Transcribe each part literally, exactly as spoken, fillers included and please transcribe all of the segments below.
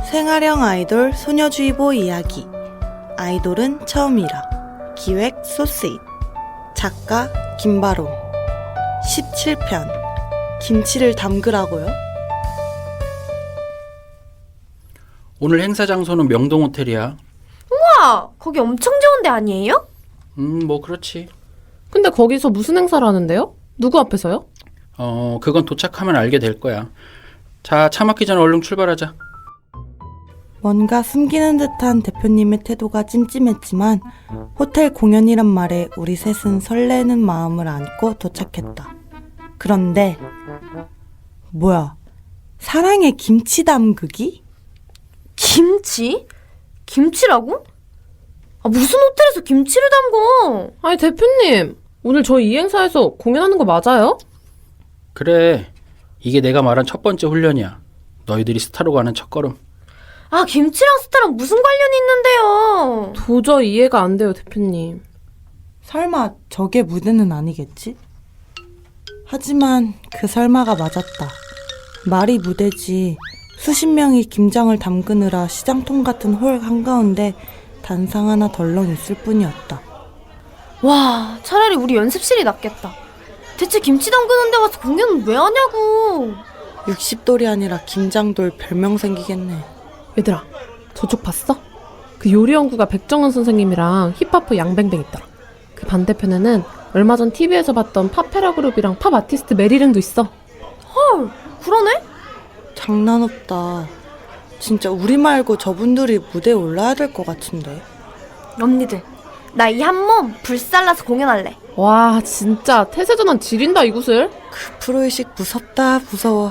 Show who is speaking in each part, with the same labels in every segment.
Speaker 1: 생활형 아이돌 소녀주의보 이야기. 아이돌은 처음이라. 기획 소스잇. 작가 김바로. 십칠 편. 김치를 담그라고요?
Speaker 2: 오늘 행사 장소는 명동호텔이야.
Speaker 3: 우와! 거기 엄청 좋은 데 아니에요?
Speaker 2: 음, 뭐 그렇지.
Speaker 4: 근데 거기서 무슨 행사를 하는데요? 누구 앞에서요?
Speaker 2: 어, 그건 도착하면 알게 될 거야. 자, 차 막기 전에 얼른 출발하자.
Speaker 1: 뭔가 숨기는 듯한 대표님의 태도가 찜찜했지만 호텔 공연이란 말에 우리 셋은 설레는 마음을 안고 도착했다. 그런데 뭐야? 사랑의 김치 담그기?
Speaker 3: 김치? 김치라고? 아, 무슨 호텔에서 김치를 담궈?
Speaker 4: 아니 대표님, 오늘 저희 이 행사에서 공연하는 거 맞아요?
Speaker 2: 그래, 이게 내가 말한 첫 번째 훈련이야. 너희들이 스타로 가는 첫걸음.
Speaker 3: 아, 김치랑 스타랑 무슨 관련이 있는데요?
Speaker 4: 도저히 이해가 안 돼요, 대표님.
Speaker 1: 설마 저게 무대는 아니겠지? 하지만 그 설마가 맞았다. 말이 무대지. 수십 명이 김장을 담그느라 시장통 같은 홀 한가운데 단상 하나 덜렁 있을 뿐이었다.
Speaker 3: 와, 차라리 우리 연습실이 낫겠다. 대체 김치 담그는 데 와서 공연은 왜 하냐고.
Speaker 1: 육십 돌이 아니라 김장돌 별명 생기겠네.
Speaker 4: 얘들아, 저쪽 봤어? 그 요리연구가 백정은 선생님이랑 힙합퍼 양뱅뱅 있더라. 그 반대편에는 얼마 전 티비에서 봤던 팝페라 그룹이랑 팝 아티스트 메리랭도 있어.
Speaker 3: 헐, 그러네?
Speaker 1: 장난 없다. 진짜 우리 말고 저분들이 무대에 올라야 될 것 같은데.
Speaker 3: 언니들, 나 이 한 몸 불살라서 공연할래.
Speaker 4: 와, 진짜 태세전환 지린다 이곳을.
Speaker 1: 그 프로의식 무섭다 무서워.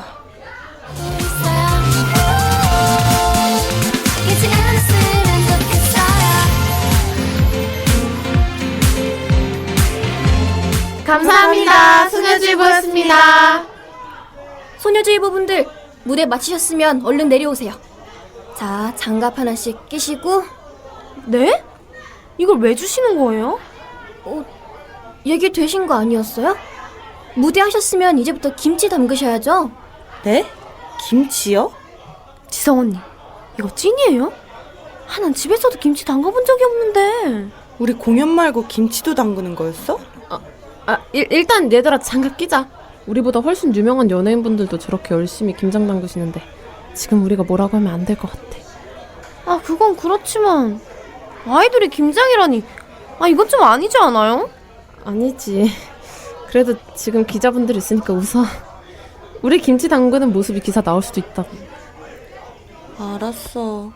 Speaker 3: 감사합니다. 소녀주의보였습니다. 소녀주의보분들, 무대 마치셨으면 얼른 내려오세요. 자, 장갑 하나씩 끼시고. 네? 이걸 왜 주시는 거예요? 어, 얘기 되신 거 아니었어요? 무대 하셨으면 이제부터 김치 담그셔야죠.
Speaker 1: 네? 김치요?
Speaker 3: 지성 언니, 이거 찐이에요? 아, 난 집에서도 김치 담가본 적이 없는데.
Speaker 1: 우리 공연 말고 김치도 담그는 거였어?
Speaker 4: 아, 일, 일단 얘들아 장갑 끼자. 우리보다 훨씬 유명한 연예인분들도 저렇게 열심히 김장 담그시는데 지금 우리가 뭐라고 하면 안 될 것 같아.
Speaker 3: 아, 그건 그렇지만 아이돌이 김장이라니. 아, 이건 좀 아니지 않아요?
Speaker 4: 아니지. 그래도 지금 기자분들 있으니까 웃어. 우리 김치 담그는 모습이 기사 나올 수도 있다고.
Speaker 1: 알았어.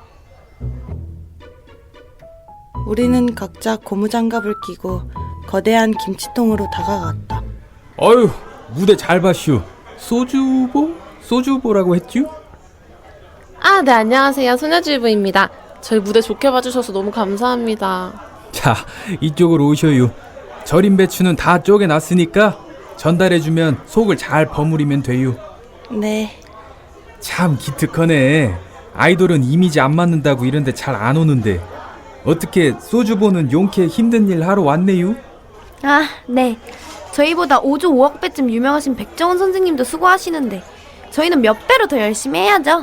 Speaker 1: 우리는 각자 고무장갑을 끼고 거대한 김치통으로 다가갔다.
Speaker 5: 어휴, 무대 잘 봤슈. 소주보? 소주보라고 했쥬?
Speaker 4: 아, 네, 안녕하세요. 소녀주의보입니다. 저희 무대 좋게 봐주셔서 너무 감사합니다.
Speaker 5: 자, 이쪽으로 오셔요. 절임 배추는 다 쪼개놨으니까 전달해주면 속을 잘 버무리면 돼요.
Speaker 1: 네.
Speaker 5: 참 기특하네. 아이돌은 이미지 안 맞는다고 이런데 잘 안 오는데 어떻게 소주보는 용케 힘든 일 하러 왔네요?
Speaker 3: 아, 네. 저희보다 오조 오억 배쯤 유명하신 백정원 선생님도 수고하시는데 저희는 몇 배로 더 열심히 해야죠.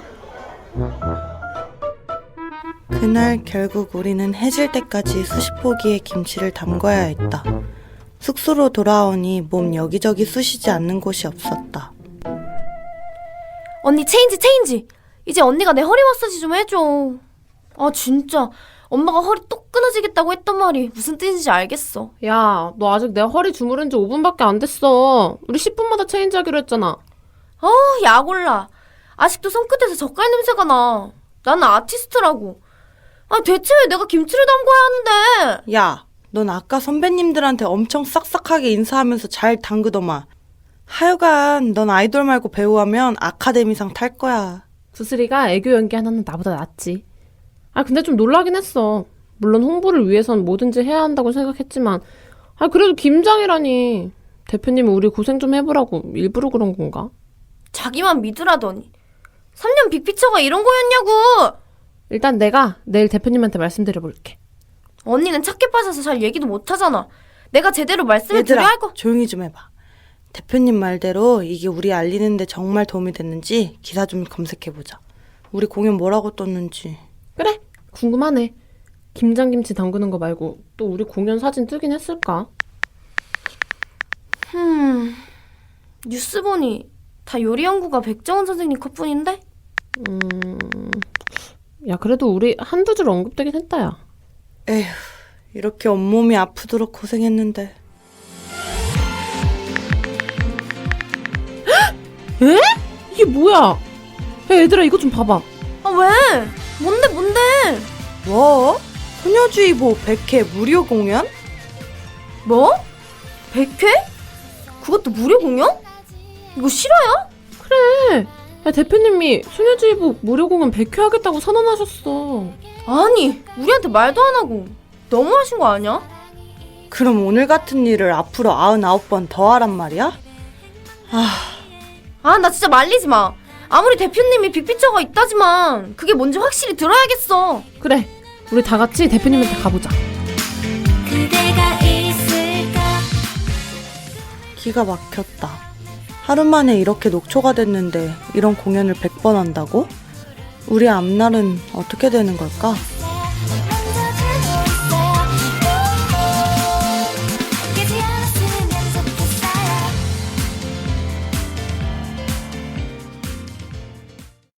Speaker 1: 그날 결국 우리는 해질 때까지 수십 포기의 김치를 담궈야 했다. 숙소로 돌아오니 몸 여기저기 쑤시지 않는 곳이 없었다.
Speaker 3: 언니, 체인지 체인지. 이제 언니가 내 허리 마사지 좀 해줘. 아, 진짜 엄마가 허리 똑 끊어지겠다고 했던 말이 무슨 뜻인지 알겠어.
Speaker 4: 야, 너 아직 내 허리 주무른 지 오 분밖에 안 됐어. 우리 십 분마다 체인지 하기로 했잖아.
Speaker 3: 어, 약올라. 아직도 손끝에서 젓갈 냄새가 나. 나는 아티스트라고. 아, 대체 왜 내가 김치를 담궈야 하는데?
Speaker 1: 야, 넌 아까 선배님들한테 엄청 싹싹하게 인사하면서 잘 담그더만. 하여간 넌 아이돌 말고 배우하면 아카데미상 탈 거야.
Speaker 4: 구슬이가 애교 연기 하나는 나보다 낫지. 아, 근데 좀 놀라긴 했어. 물론 홍보를 위해선 뭐든지 해야 한다고 생각했지만 아, 그래도 김장이라니. 대표님은 우리 고생 좀 해보라고 일부러 그런 건가?
Speaker 3: 자기만 믿으라더니. 삼 년 빅피처가 이런 거였냐고.
Speaker 4: 일단 내가 내일 대표님한테 말씀드려볼게.
Speaker 3: 언니는 착해 빠져서 잘 얘기도 못하잖아. 내가 제대로 말씀을
Speaker 1: 얘들아,
Speaker 3: 드려야 할 거.
Speaker 1: 조용히 좀 해봐. 대표님 말대로 이게 우리 알리는데 정말 도움이 됐는지 기사 좀 검색해보자. 우리 공연 뭐라고 떴는지.
Speaker 4: 그래, 궁금하네. 김장김치 담그는 거 말고 또 우리 공연 사진 뜨긴 했을까?
Speaker 3: 흠, 뉴스 보니 다 요리 연구가 백정원 선생님 컷뿐인데?
Speaker 4: 음... 야, 그래도 우리 한두 줄 언급되긴 했다, 야.
Speaker 1: 에휴, 이렇게 온몸이 아프도록 고생했는데.
Speaker 4: 에? 이게 뭐야? 야, 얘들아, 이거 좀 봐봐.
Speaker 3: 아, 왜? 뭔데, 뭔데?
Speaker 1: 뭐? 소녀주의보 백 회 무료 공연?
Speaker 3: 뭐? 백 회? 그것도 무료 공연? 이거 실화야?
Speaker 4: 그래. 야, 대표님이 소녀주의보 무료 공연 백 회 하겠다고 선언하셨어.
Speaker 3: 아니, 우리한테 말도 안 하고 너무하신 거 아니야?
Speaker 1: 그럼 오늘 같은 일을 앞으로 아흔아홉 번 더 하란 말이야?
Speaker 3: 아, 나 진짜 말리지 마. 아무리 대표님이 빅피처가 있다지만 그게 뭔지 확실히 들어야겠어.
Speaker 4: 그래, 우리 다 같이 대표님한테 가보자.
Speaker 6: 그대가 있을까?
Speaker 1: 기가 막혔다. 하루 만에 이렇게 녹초가 됐는데 이런 공연을 백 번 한다고? 우리 앞날은 어떻게 되는 걸까?